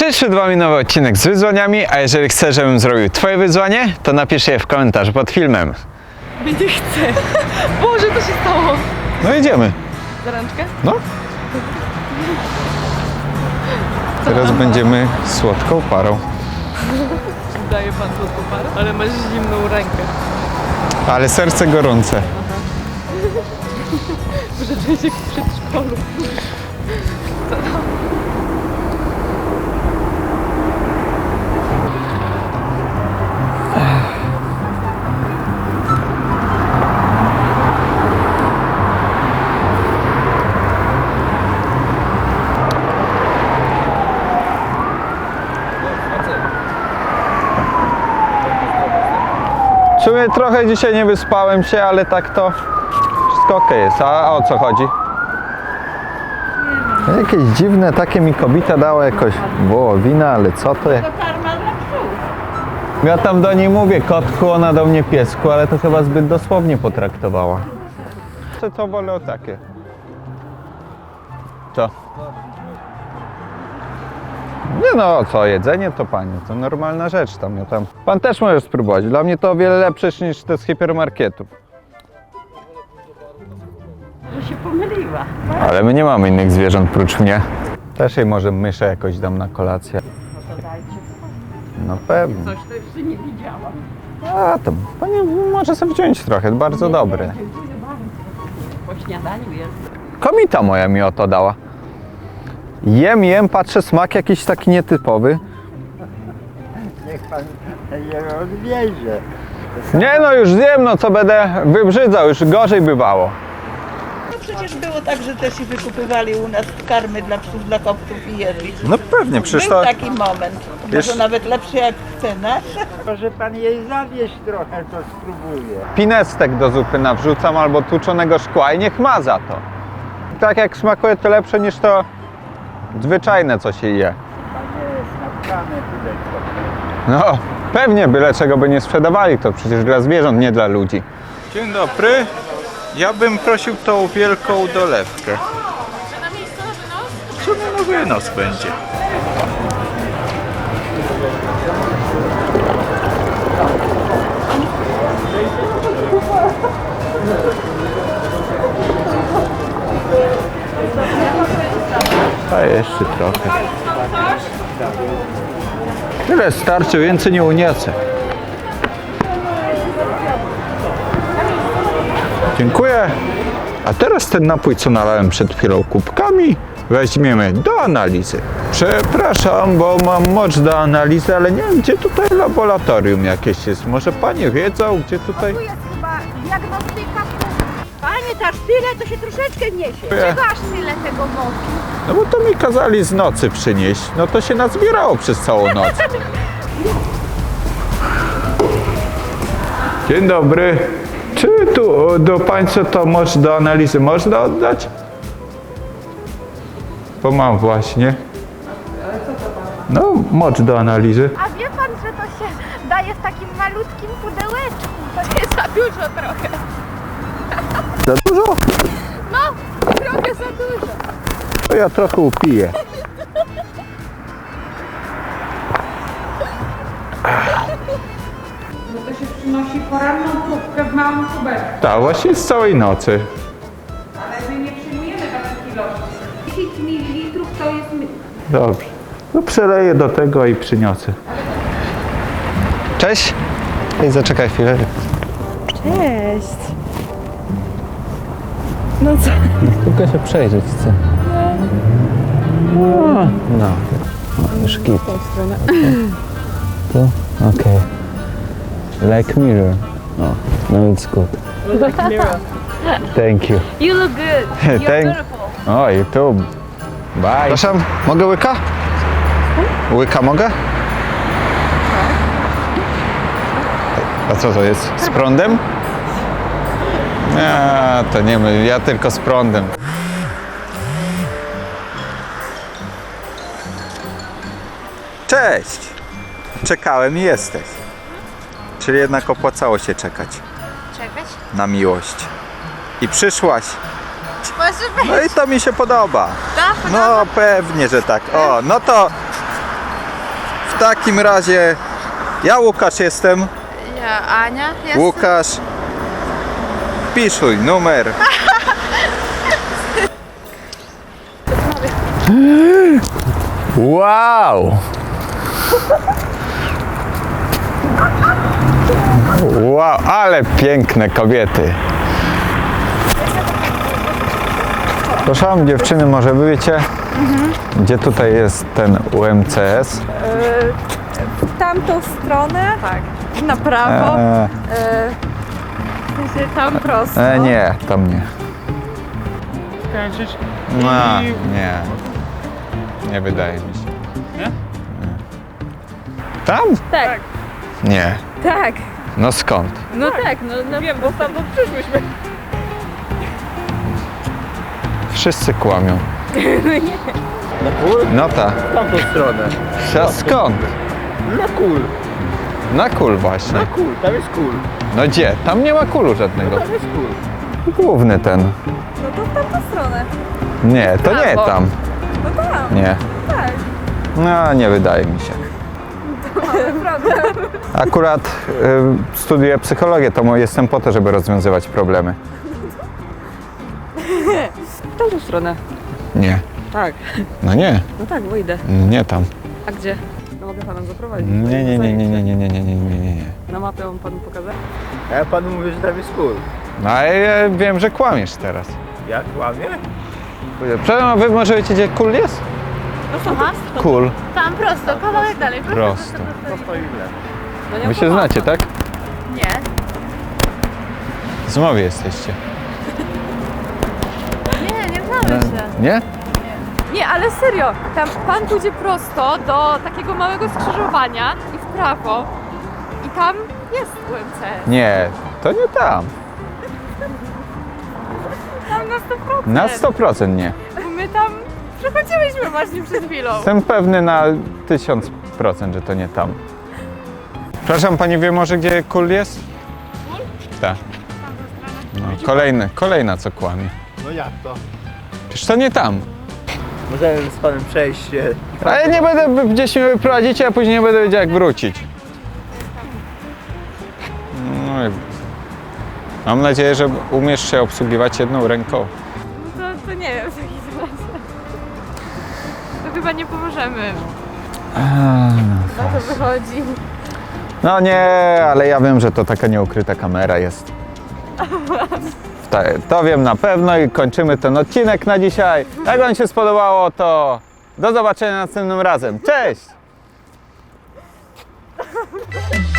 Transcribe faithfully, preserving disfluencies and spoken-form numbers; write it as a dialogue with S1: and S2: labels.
S1: Przyszedł wam nowy odcinek z wyzwaniami, a jeżeli chcesz, żebym zrobił twoje wyzwanie, to napisz je w komentarzu pod filmem.
S2: Nie chcę. Boże, to się stało.
S1: No idziemy.
S2: Za rączkę?
S1: No. Teraz będziemy słodką parą.
S2: Daje pan złotą parę, ale masz zimną rękę.
S1: Ale serce gorące.
S2: Może czuję się jak w przedszkolu.
S1: W sumie trochę dzisiaj nie wyspałem się, ale tak to wszystko okej jest. A o co chodzi? Jakieś dziwne takie mi kobieta dała jakoś wołowina, ale co to jest? Ja tam do niej mówię kotku, ona do mnie piesku, ale to chyba zbyt dosłownie potraktowała. Co to wolę o takie? Co? Nie no, co, jedzenie to panie, to normalna rzecz tam, ja tam. Pan też może spróbować, dla mnie to o wiele lepsze niż te z hipermarketów.
S3: Że się pomyliła.
S1: Ale my nie mamy innych zwierząt prócz mnie. Też jej może myszę jakoś dam na kolację.
S3: No to dajcie.
S1: No pewnie.
S3: Coś to jeszcze nie widziałam.
S1: A to pani może sobie wziąć trochę, bardzo dobre.
S3: Dziękuję bardzo. Po śniadaniu jest.
S1: Komita moja mi o to dała. Jem, jem, patrzę, smak jakiś taki nietypowy.
S4: Niech pan je odwiezie.
S1: Nie no, już zjem, no co będę wybrzydzał, już gorzej bywało.
S5: No przecież było tak, że też i wykupywali u nas karmy dla psów, dla kopców i jedli.
S1: No pewnie, przecież
S5: Był
S1: to...
S5: taki moment,
S1: Wiesz-
S5: może nawet lepszy jak cena.
S4: Może pan jej zawieźć trochę, to spróbuję.
S1: Pinestek do zupy nawrzucam albo tłuczonego szkła i niech ma za to. Tak jak smakuje, to lepsze niż to zwyczajne, co się je.
S4: Spotkamy tutaj trochę.
S1: No, pewnie, byle czego by nie sprzedawali, to przecież dla zwierząt, nie dla ludzi. Dzień dobry. Ja bym prosił tą wielką dolewkę.
S2: Czy na miejscowy nos?
S1: Co na nowy nos będzie? A jeszcze trochę. Tyle starczy, więcej nie uniosę. Dziękuję. A teraz ten napój, co nalałem przed chwilą kubkami, weźmiemy do analizy. Przepraszam, bo mam moc do analizy, ale nie wiem, gdzie tutaj laboratorium jakieś jest. Może panie wiedzą, gdzie tutaj...
S6: Tu jest chyba diagnostyka. Panie, ta tyle to się troszeczkę niesie.
S1: Nie.
S6: Czego aż tyle tego mocy?
S1: No bo to mi kazali z nocy przynieść. No to się nazbierało przez całą noc. Dzień dobry. Czy tu do państwa to moc do analizy można oddać? Bo mam właśnie. No, moc do analizy.
S6: A wie pan, że to się daje w takim malutkim pudełeczku. To nie za dużo trochę.
S1: Za dużo?
S6: No, trochę za dużo.
S1: To ja trochę upiję.
S7: No to się przynosi poranną próbkę w małym kubeczku,
S1: Tak, właśnie z całej nocy.
S7: ale my nie przyjmujemy takich ilości. dziesięć mililitrów to jest... mi-
S1: Dobrze. No przeleję do tego i przyniosę. Cześć. Ej, zaczekaj chwilę.
S2: Cześć. No co?
S1: Tylko się przejrzeć chcę. No. No. Już git. Tu? Okej. Like mirror. No. No it's good. Thank you.
S6: You look good. You're
S1: Thank-
S6: beautiful.
S1: O, YouTube. Bye. Przepraszam, mogę łyka? Łyka mogę? A co to jest? Z prądem? Nie, to nie my, ja tylko z prądem. Cześć! Czekałem i jesteś. Czyli jednak opłacało się czekać
S6: Czekać?
S1: na miłość. I przyszłaś.
S6: Może być.
S1: No i to mi się podoba.
S6: Tak?
S1: No pewnie, że tak. O, no to w takim razie ja Łukasz jestem.
S6: Ja Ania jest.
S1: Łukasz. Piszuj numer. Wow! Wow, ale piękne kobiety. Proszę, dziewczyny, może wy wiecie, gdzie tutaj jest ten U M C S?
S2: W tamtą stronę? Tak. Na prawo.
S1: E,
S2: W sensie tam prosto.
S1: e, nie, tam nie.
S4: Kończyć?
S1: No, nie. Nie wydaje mi się.
S4: Nie?
S1: Tam?
S2: Tak.
S1: Nie.
S2: Tak.
S1: No skąd?
S2: No tak, no, no wiem, bo stamtąd przyszłyśmy.
S1: Wszyscy kłamią.
S4: Na kul?
S1: No tak.
S4: W tamtą stronę.
S1: A skąd?
S4: Na kul.
S1: Na kul właśnie.
S4: Na kul, tam jest kul.
S1: No gdzie? Tam nie ma kulu żadnego.
S4: Tam jest kul.
S1: Główny ten.
S2: No to w tamtą stronę.
S1: Nie, to nie
S2: Brawo.
S1: tam.
S2: No tam.
S1: Nie.
S2: Tak.
S1: No, nie wydaje mi się.
S2: Prawda.
S1: Akurat y, studiuję psychologię, to mo- jestem po to, żeby rozwiązywać problemy.
S2: W tamtą stronę.
S1: Nie.
S2: Tak.
S1: No nie.
S2: No tak, wyjdę.
S1: Nie tam.
S2: A gdzie? No mogę panem zaprowadzić.
S1: Nie, nie, nie, nie, nie, nie, nie, nie, nie, nie, nie, nie.
S2: Na mapę mam panu pokazać?
S4: A ja panu mówię, że tam jest kul.
S1: No ale ja wiem, że kłamiesz teraz.
S4: Jak kłamie?
S1: Przepraszam, a wy może wiecie, gdzie kul jest?
S6: Aha,
S1: Kul.
S6: tam prosto, kawałek dalej. Prosto.
S1: Prosto.
S4: To stoi w lewo.
S2: No nie
S1: Wy się
S2: opłacam.
S1: znacie, tak?
S6: Nie.
S1: Z mowy jesteście.
S6: Nie, nie znamy się.
S1: Nie?
S2: Nie, ale serio, tam pan pójdzie prosto do takiego małego skrzyżowania i w prawo. I tam jest U M C.
S1: Nie, to nie tam.
S2: Tam na sto procent.
S1: Na sto procent nie.
S2: Bo my tam przechodziłyśmy właśnie przed chwilą.
S1: Jestem pewny na tysiąc procent, że to nie tam. Przepraszam, pani wie może, gdzie kul jest? Tak. No, kolejny, kolejna co kłamie.
S4: No jak to?
S1: Przecież to nie tam.
S4: Możemy z panem przejść się.
S1: A ja nie będę, gdzieś mnie wyprowadzicie, a później nie będę wiedział jak wrócić. No i mam nadzieję, że umiesz się obsługiwać jedną ręką.
S2: No to, to nie wiem w takim razie. To chyba nie pomożemy. Na to wychodzi.
S1: No nie, ale ja wiem, że to taka nieukryta kamera jest. Ta- To wiem na pewno i kończymy ten odcinek na dzisiaj. Jak wam się spodobało, to do zobaczenia następnym razem. Cześć!